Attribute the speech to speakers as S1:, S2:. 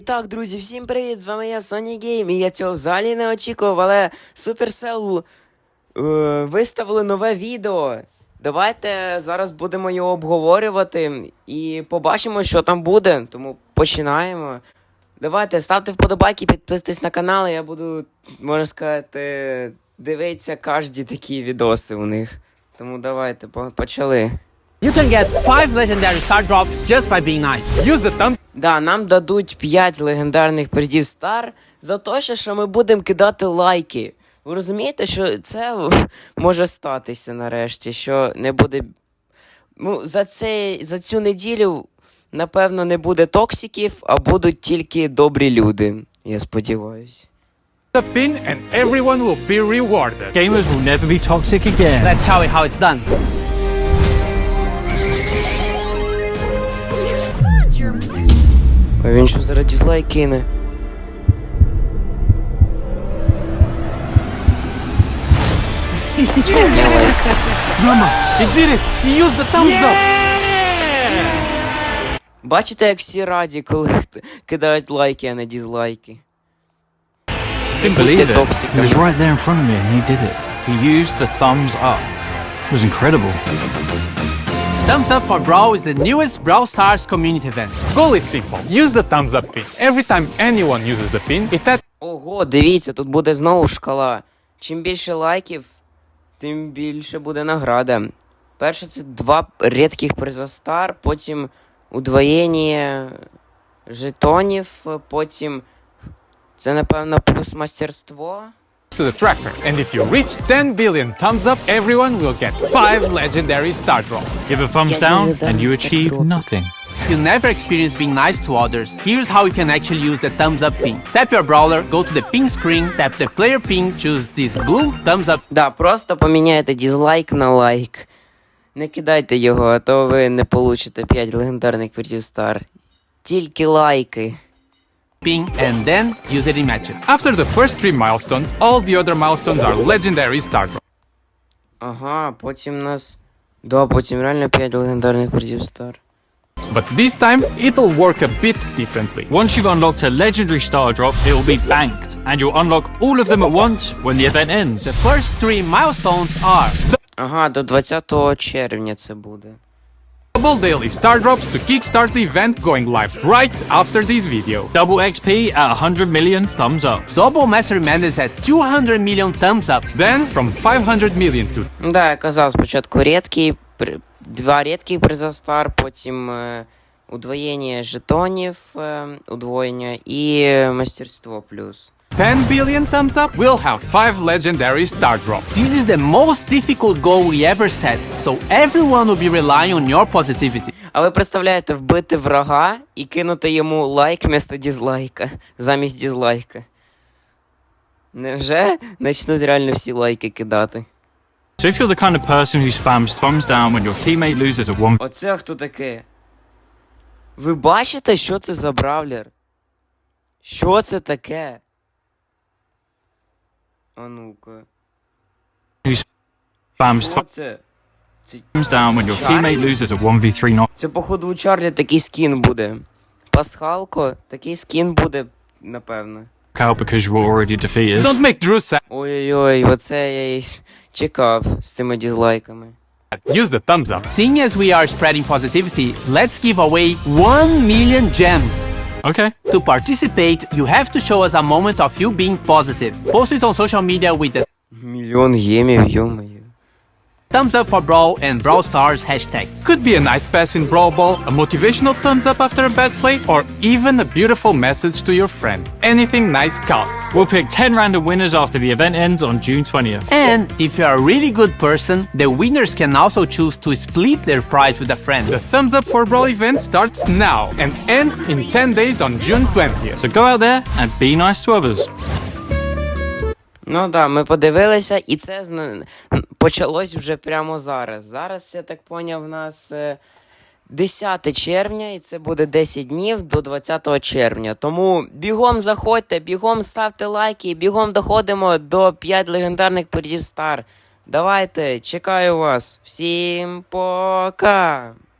S1: Так, друзі, всім привіт! З вами я, Sony Game, і я цього взагалі не очікував, але Supercell виставили нове відео. Давайте зараз будемо його обговорювати і побачимо, що там буде, тому починаємо. Давайте, ставте вподобайки, підписуйтесь на канал, я буду, можна сказати, дивитися кожні такі відоси у них. Тому давайте, почали.
S2: You can get 5 legendary star drops just by being nice. Use the thumb.
S1: Да, нам дадуть 5 легендарних призів Стар за те, що ми будемо кидати лайки. Ви розумієте, що це може статися нарешті, що не буде... Ну, за цю неділю, напевно, не буде токсиків, а будуть тільки добрі люди. Я сподіваюсь.
S3: The pin and everyone will be rewarded.
S4: Gamers will never be toxic again.
S2: Let's show you how it's done.
S1: А він що зараз дізлайк кине?
S3: Mama, he did it! He used the thumbs up!
S1: Бачите, як всі раді, коли кидають лайки, а не дізлайки.
S4: Didn't believe it. He
S1: Токсиками.
S4: was right there in front of me and he did it. He used the thumbs up. It was incredible.
S2: Thumbs up for Brawl is the newest Brawl Stars community event.
S3: Goal is simple. Use the thumbs up pin. Every time anyone uses the pin, it adds
S1: Ого, дивіться, тут буде знову шкала. Чим більше лайків, тим більше буде награда. Перше це 2 рідких приза Стар, потім удвоєння жетонів, потім це, напевно, плюс мастерство.
S3: to the tracker. And if you reach 10 billion thumbs up, everyone will get 5 legendary star drops.
S4: Give a thumbs
S1: Yeah,
S4: down
S1: yeah,
S4: and you
S1: that's
S4: achieve
S1: the
S4: nothing.
S2: If you never experience being nice to others, here's how you can actually use the thumbs up pin. Tap your brawler, go to the ping screen, tap the player pings, choose this blue thumbs up.
S1: Да, просто поміняйте дізлайк на лайк. Не кидайте його, а то ви не получите 5 легендарних призів Стар. Тільки лайки.
S2: Ping and then use it in matches.
S3: After the first 3 milestones, all the other milestones are legendary star drops.
S1: Ага, потім нас... Да, потім реально 5 легендарних призів Стар.
S3: But this time, it'll work a bit differently.
S4: Once you've unlocked a legendary star drop, it will be banked, and you'll unlock all of them at once when the event ends.
S2: The first 3 milestones are
S1: Ага, до 20 червня це буде.
S3: Double daily star drops to kickstart the event going live right after this video.
S4: Double XP at 100 million thumbs up.
S2: double mastery madness at 200 million thumbs up.
S3: Then, from 500 million to
S1: Да, я казав, спочатку рідкий, 2 рідких приза Стар, потім удвоєння жетонів, удвоєння і мастерство плюс.
S3: 10 billion thumbs up, we'll have 5 legendary star drops.
S2: This is the most difficult goal we ever set, so everyone will be relying on your positivity.
S1: А ви представляєте, вбити врага і кинути йому лайк вместо дізлайка, замість дізлайка. Невже почнуть реально всі лайки кидати?
S4: So if you're the kind of person who spams thumbs down when your teammate loses a 1v1,
S1: Оце хто таке? Ви бачите, що це за бравлер? Що це таке? А ну-ка.
S4: who spams
S1: Що це? Це,
S4: thumbs down when your teammate loses a 1v3 knock.
S1: це походу у Чарлі такий скін буде. Пасхалко, такий скін буде, напевно.
S4: Out because you were already defeated.
S3: Don't make Drew sad.
S1: Ой-ой-ой, оце я й чекав з цими дізлайками.
S3: Use the thumbs up.
S2: Seeing as we are spreading positivity, let's give away 1 million gems.
S4: Okay.
S2: To participate, you have to show us a moment of you being positive. Post it on social media with the
S1: Мільйон гемів, йо-моє.
S2: thumbs up for Brawl and Brawl Stars hashtags.
S3: Could be a nice pass in Brawl Ball, a motivational thumbs up after a bad play, or even a beautiful message to your friend. Anything nice counts.
S4: We'll pick 10 random winners after the event ends on June 20th.
S2: And if you are a really good person, the winners can also choose to split their prize with a friend.
S3: The thumbs up for Brawl event starts now and ends in 10 days on June 20th.
S4: So go out there and be nice to others.
S1: Ну да, ми подивилися, і це почалось вже прямо зараз. Зараз, я так поняв, в нас 10 червня, і це буде 10 днів до 20 червня. Тому бігом заходьте, бігом ставте лайки, бігом доходимо до 5 легендарних призів Стар. Давайте, чекаю вас. Всім пока!